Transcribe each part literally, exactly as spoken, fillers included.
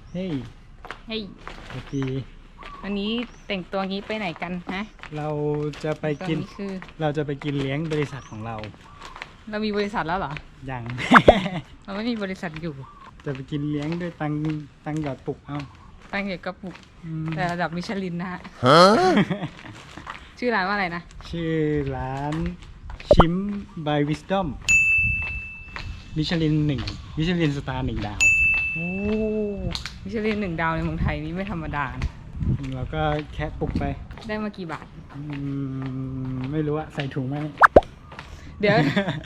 เฮ้ยเฮ้ยโอเควันนี้แต่งตัวงี้ไปไหนกันฮะเราจะไปกินตอนนี้คือเราจะไปกินเลี้ยงบริษัทของเราเรามีบริษัทแล้วเหรออย่างเราไม่มีบริษัทอยู่จะไปกินเลี้ยงด้วยตังตังหยอดปุกเอาตั้งเกี่ยวกับปุกอืมแต่ระดับมิชลินนะฮะ ชื่อร้านว่าอะไรนะชื่อร้านชิม by Wisdom มิชลินหนึ่งมิชลินสตาร์หนึ่งดาวโอ้มิชลินหนึ่งดาวในเมืองไทยนี่ไม่ธรรมดานะเราก็แค่ปลุกไปได้มากี่บาทอืมไม่รู้อะใส่ถุงไหมเดี๋ยว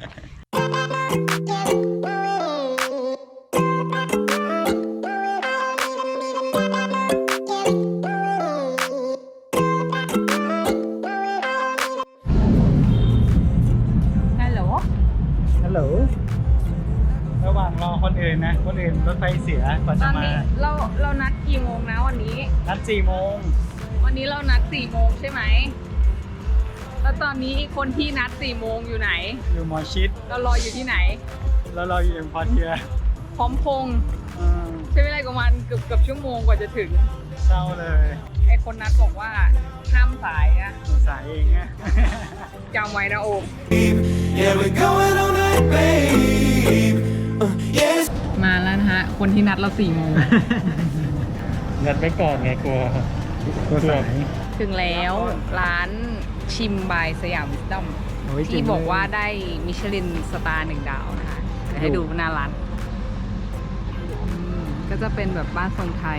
ฮัลโหลฮัลโหลระหว่างรอคนอื่นนะ คนอื่นรถไฟเสียกว่าตจะอนมานี้เราเรานัดกี่โมงนะวันนี้นัดสี่โมงวันนี้เรานัดสี่โมงใช่ไหม แล้วตอนนี้คนที่นัดสี่โมงอยู่ไหนอยู่หมอชิดเรารออยู่ที่ไหนแล้วเราอยู่เอ็มพอร์เทียพร้อมพงษ์อืมใช้เวลาประมาณเกือบเกือบชั่วโมงกว่าจะถึงเศร้าเลยไอคนนัดบอกว่าห้ามสายอะสายเองอะจำไว้นะโอม Yeah, we're going all night, babe. Uh, yes. มาแล้วนะฮะ คนที่นัดเราสี่โมงนัดไว้ก่อนไงกลัวตัวสายถึงแล้วร้านชิมบายสยามวิสดอมโอ้ยที่จริงบอกเลยว่าได้มิชลินสตาร์หนึ่งดาวนะคะเดี๋ยวให้ดูหน้าร้านอืมก็จะเป็นแบบบ้านทรงไทย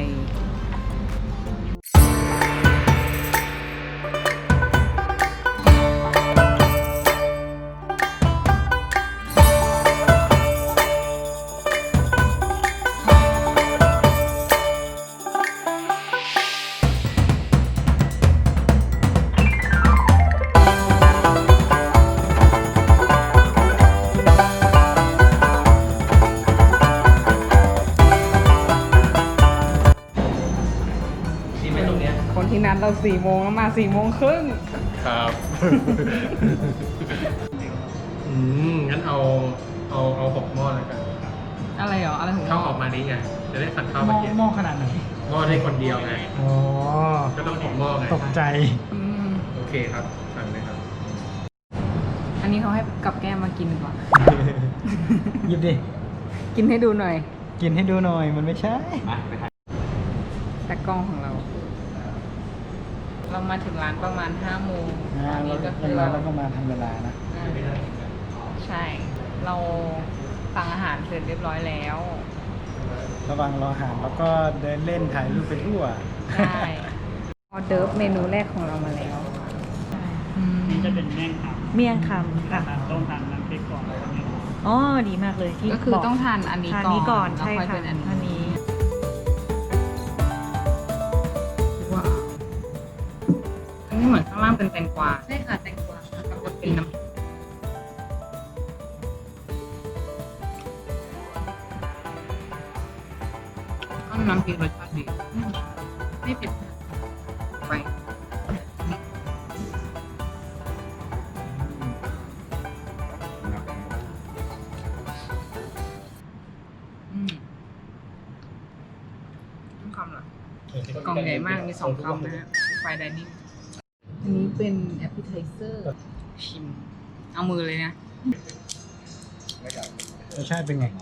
ที่ไม่ตรงเนี้ยคนที่นัดเราสี่โมงแล้วมาสี่โมงครึ่งครับ อืม งั้นเอา เอา เอาหกหม้อแล้วกันอะไรเหรอ อะไรของข้าวเราออกมานี้ไง จะได้สั่งข้าวหม้มาอกินหม้อขนาดไหนหม้อได้คนเดียวไงอ๋อก็ต้องหกหม้อไงตกใจอืมโอเคครับ สั่งเลยครับอันนี้เขาให้กับแก้มมากินก่อนหยิบดิกินให้ดูหน่อยกินให้ดูหน่อย มันไม่ใช่แต่กล้องของเรา เรามาถึงร้านประมาณห้าโมงอ่าตอนเรานี้ก็คืเวอลาเราเราก็มาทำเวลานะอ่าใช่ เราสั่งอาหารเสร็จเรียบร้อยแล้วระหว่างรออาหารแล้วก็เดินเล่นถ่ายรูปไปทั่วใช่ออเดิร์ฟเมนูแรกของเรามาแล้วอืมนี่จะเป็นแม่งคเมี่ยงคำค่ะำต้องทานน้ำพริกก่อนแล้วก็เนี่ยอ๋อ ดีมากเลยที่ก็คือบอกต้องทานอันนี้ทานก่อนนี้ก่อนแล้วใช่ค่อยค่ะเป็นอันอันนี้นี้ว้าวอันนี้เหมือนข้างล่างเป็นแตงกวาใช่ค่ะแตงกวาแล้วก็เป็นน้ำก็น้ำพริกรสชาติดีไม่เผ็ดไปอืมต้องคำเหรอกล่องใหญ่มาก มีสองคำนะฮะไฟไดนิ่งอันนี้เป็นแอปเปิลไทเซอร์ ชิม เอามือเลยนะรสชาติเป็นไง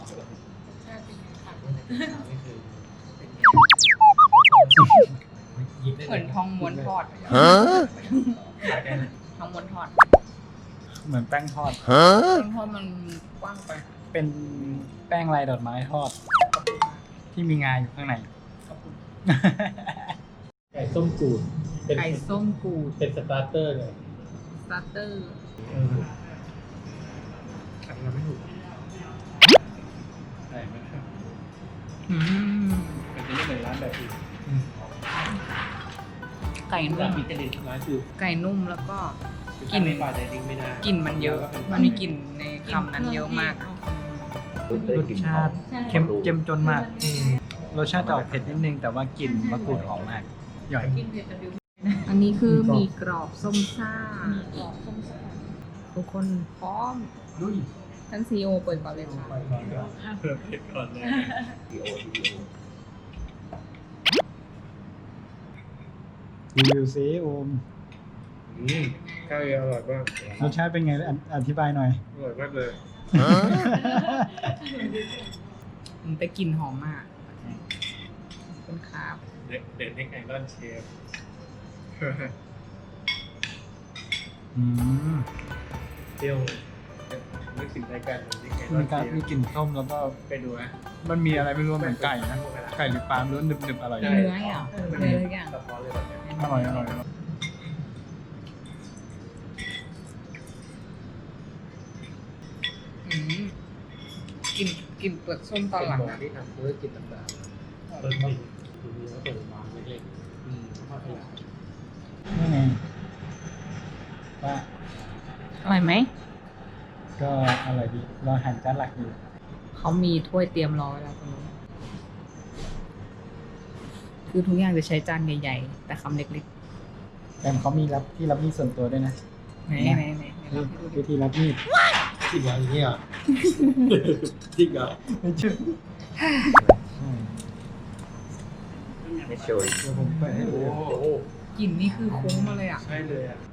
เหมือนทองม้วนทอดทองม้วนทอดเหมือนแป้งทอดทองทอดมันกว้างไปเป็นแป้งลายดอกไม้ทอด ที่มีงาอยู่ข้างในไก่ส้มกูด เป็นไก่ส้มกูดเป็นสตาร์เตอร์เลยสตาร์เตอร์ขัดเราไม่ถูกใช่ไหมครับอืมมันจะไม่เหมือนร้านแบบอื่นไก่นุ่ร้านมมิชลินร้านคือไก่นุ่มแล้วก็กินในบาร์ไดนิ่งไม่ได้กลิ่นมันเยอะ มันมีกลิ่นในคำนั้นเยอะมากรสชาติเค็มเจ้มจนมาก รสชาติจะออกเผ็ดนิดนึง แต่ว่ากลิ่นมะกรูดหอมมากหย่อยอันนี้คือหมีกรอบส้มซ่าทุกคนพร้อมท่านซีโอเปิดก่อนเลยค่ะเพิ่มเผ็ดก่อนเลยรีวิวซิโอมอืมข้าวเออร่อยมากรสชาติเป็นไงออธิบายหน่อยอร่อยมากเลยมันแต่กลิ่นหอมมากเป็นคาบเด็กเด็กเน็กไอรอนเชฟอืมเปรี้ยวนึกถึงรายการเด็กไอรอมีนการเชฟมีกลิ่นส้มแล้วก็ไปดูนะมันมีอะไรไม่รู้เหมือนไก่นะ ไก่หรือปลาไม่รู้หนึบๆอร่อยเนื้ออ่ะเนื้อทุกอย่างสะท้อนเลยแบบนี้อร่อยอร่อยอร่อยอืมกลิ่นกลิ่นเปลือกส้มตอนหลังเป็นหมออะที่ทำธุรกิจต่างๆเปิดมีดูดีแล้วเปิดร้านเล็กๆอืมค่อยขยายนี่ไงว่าอร่อยไหมก็อร่อยดีรออาหารจานหลักอยู่เขามีถ้วยเตรียมรอไว้แล้วตรงนี้คือทุกอย่างจะใช้จานใหญ่ๆ แต่คำเล็กแต่เขามีรับที่รับมีดส่วนตัวด้วยนะๆไหนไหนไหนไหนลองให้ดูดิวิธีรับมีดจริงเหรออย่างเงี้ยจริงเหรอไม่เชื่อไม่ช่วยเดี๋ยวผมเปิดให้ดูโอ้โหกลิ่นนี่คือคุ้งมาเลยอ่ะใช่เลยอ่ะ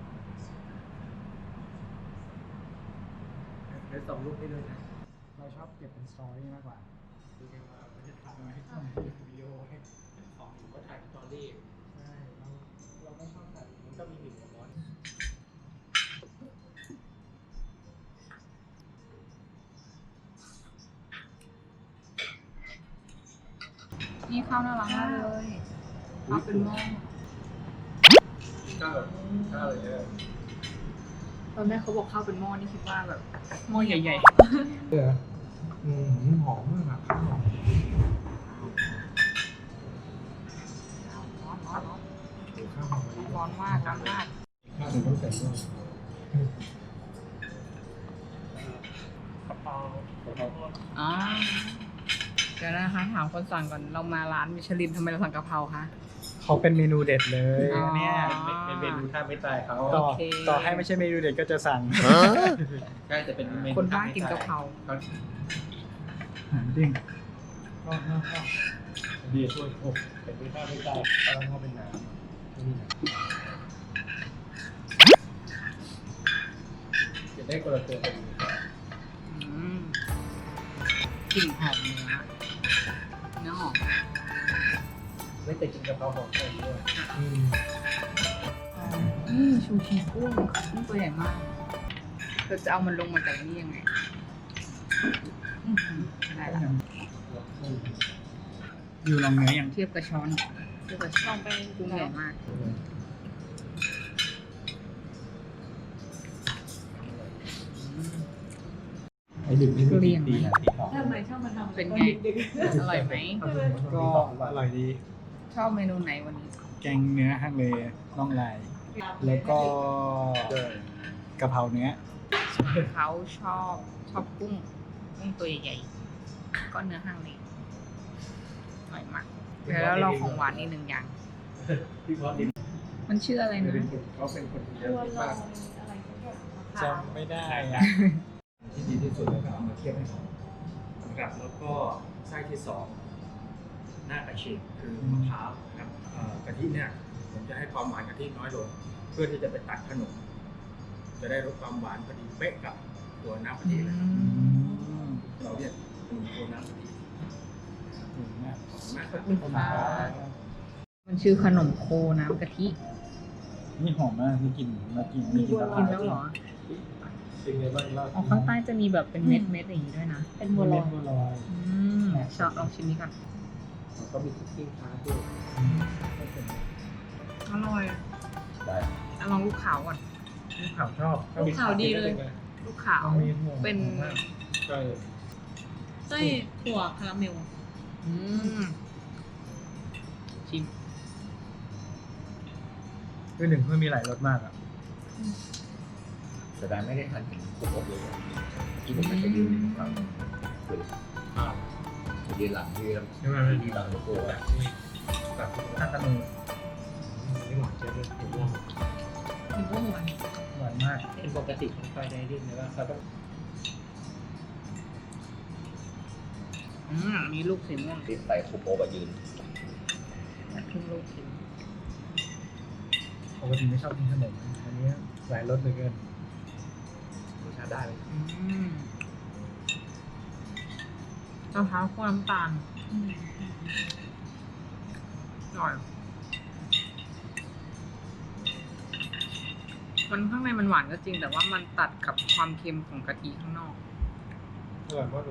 เดี๋ยวส่งรูปให้ด้วยนะเราชอบเก็บเป็นสตอรี่มากกว่าดูกันว่าไม่ได้ถ่ายมาให้ทำวิดีโอให้ของก็ถ่ายสตอรี่ใช่เราเราไม่ชอบถ่ายมันก็มีหนึ่งร้อนนี่ข้าวน่ารักมากเลยข้าวเป็นหม้อข้าวข้าวเลยเนี่ยตอนแรกเขาบอกข้าวเป็นหม้อนี่คิดว่าแบบหม้อใหญ่เอออืมหอมมากอะข้าวหอมๆร้อนร้อนร้อนข้าวหอมมะลิร้อนมากร้อนมากข้าวถึงต้องใส่ด้วยกระเพรากระเพราอ่าเดี๋ยวนะคะถามคนสั่งก่อนเรามาร้านมิชลินทำไมเราสั่งกะเพราคะเขาเป็นเมนูเด็ดเลยอ๋อเนี่ยเป็นเมนูท่าไม่ตายเขาต่อโอเคต่อให้ไม่ใช่เมนูเด็ดก็จะสั่งใช่จะเป็นเมนูคนบ้ากินกะเพราเขาหางดิ้งก็ก็ก็ดีช่วยโอ้เป็นไม่ท่าไม่ตายตอนเขาเป็นน้ำไม่มีน้ำจะได้คนละตัวกันอืมกลิ่นหอมเนื้อเนื้อหอมไม่แต่กินกะเพราหอมแค่นี้ด้วยอืมนี่ชูชีกุ้งกุ้งตัวใหญ่มากเราจะเอามันลงมาจากนี่ยังไงอื้อหือได้ละอยู่ลองเนื้อยังเทียบกับช้อนเทียบกับช้อนไปกุ้งใหญ่มากไอ้ดึกนี่เกลี้ยงไหมดีนะที่ของทำไมชอบมาทำเป็นไง อร่อยไหมก็อร่อยดีชอบเมนูไหนวันนี้แกงเนื้อฮังเลน่องลาย แล้วก็กะเพราเนื้อเขาชอบชอบกุ้งกุ้งตัวใหญ่ๆก็เนื้อห้างเลยอร่อยมากแล้วเราของหวานอีกหนึ่งอย่างพี่พอดีมันชื่ออะไรนะเป็นคนเขาเป็นคนที่เยอะมากอะไรสักอย่างจำไม่ได้อะที่ดีที่สุดแล้วก็เอามาเทียบให้เขานะครับแล้วก็ไส้ที่สองหน้ากระชิงคือมะพร้าวนะครับเอ่อกะทิเนี่ยผมจะให้ความหวานกะทิน้อยลง เพื่อที่จะไปตัดขนม จะได้ลดความหวานพอดีเป๊ะกับตัวน้ำกะทิเลยครับเราเรียกขนมตัวน้ำกะทิถึงมากขอบคุณมากคขรัอบบ คุณค่ะมันชื่อขนมโคน้ำกะทินี่หอมมากมีกลิ่นมากินมีกลิ่นมะพกิร้าน วแล้วเหรอเป็นไงบ้างเล่าอ๋อข้างใต้จะมีแบบเป็นเม็ดเม็ดๆอย่างนี้ด้วยนะเป็นบัวลอยบัวลอยอืมชอบลองชิมนี้ก่อนก็มีคุกกิ้งคาร์ด้วยอร่อยได้อ่ะลองลูกขาวก่อนลูกขาวชอบลูกขาวดีเลยลูกขาวมีห่วงเป็นใช่ไส้ถั่วคาราเมลอืมชิมคือหนึ่งมันมีหลายรสมากอ่ะแต่ได้ไม่ได้ทันถึงครบเลยที่ผมมันจะยืนฟังคุยอ่ายืนหลังยืนใช่ไหมยืนหลังโลโก้อะแบบท่าตะนูนี่หวานเจ๊เลยผมว่ามีบัวหวานหวานมากเป็นปกติของไฟไดริ่งเลยว่าเขาต้องอืมมีลูกสีม่วงที่ใส่คูโปะยืนครึ่งลูกชิมปกติไม่ชอบกินขนมอันนี้หลายรสเหลือเกินรสชาติได้เลยอืมมะพร้าวคั่วน้ำตาลอร่อย มันข้างในมันหวานก็จริง แต่ว่ามันตัดกับความเค็มของกะทิข้างนอกอร่อยมากเลย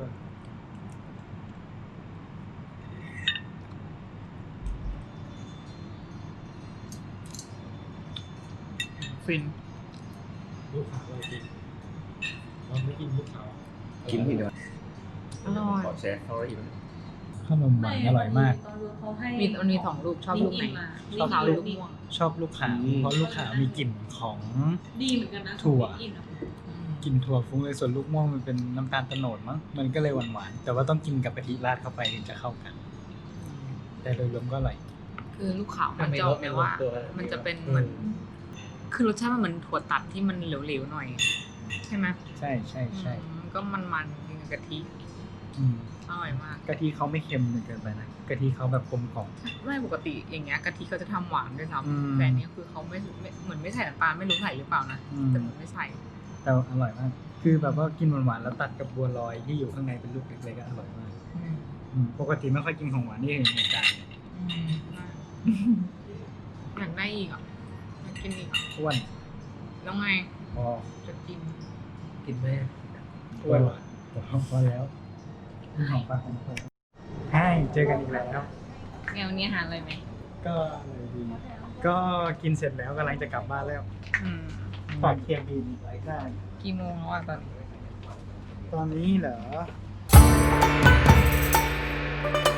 ฟินลูกขาวเรากินเราไม่กินลูกขาวกินทีเดียวอร่อยขอแชร์เขาอีกขนมหวานอร่อยมากตอนรู้เขาให้มีมันมีสองลูกชอบลูกไหนชชออบบลูลูกกม่วงชอบลูกขาวเพราะลูกขาวมีกลิ่นของดีเหมือนกันนะถั่วของอินอะกลิ่นถั่วฟุ้งเลยส่วนลูกม่วงมันเป็นน้ำตาลโตโนดมั้งมันก็เลยหวานหวานๆแต่ว่าต้องกินกับกะทิราดเข้าไปถึงจะเข้ากัน แต่โดยรวมก็อร่อยคือลูกขาวมันจะออกแบบว่า มันจะเป็นเหมือน คือรสชาติมันเหมือนถั่วตัดที่มันเหลวๆหน่อย ใช่ไหมใช่ใช่ใช่อืมก็มันๆกินกับกะทิอืมอร่อยมากกะทิเขาไม่เค็มจนเกินไปนะกะทิเขาแบบกลมกล่อมไม่ปกติอย่างเงี้ยกะทิเขาจะทำหวานด้วยอืมซ้ำแต่อันเนี้ยคือเขาไม่ไม่เหมือนไม่ใส่น้ำตาลไม่รู้ใส่หรือเปล่านะอืมแต่เหมือนไม่ใส่แต่อร่อยมาก คือแบบว่ากินหวานๆแล้วตัดกับบัวลอยที่อยู่ข้างในเป็นลูกเล็กๆก็อร่อยมากอืมอืมปกติไม่ค่อยกินของหวานนี่เห็นในจานอืมอยากได้อีกอ่ะอยากกินอีกอ่ะอ้วนแล้วไงพอจะกินกินไหมอ้วนพอแล้วนี่ของฝากของผมใช่เจอกันอีกแล้วแนวนี้อาหารอะไรไหมก็อะไรดี ก็กินเสร็จแล้วกำลังจะกลับบ้านแล้วอืมฝากเคียงบินได้กี่โมงแล้วอ่ะตอนนี้ตอนนี้เหรอ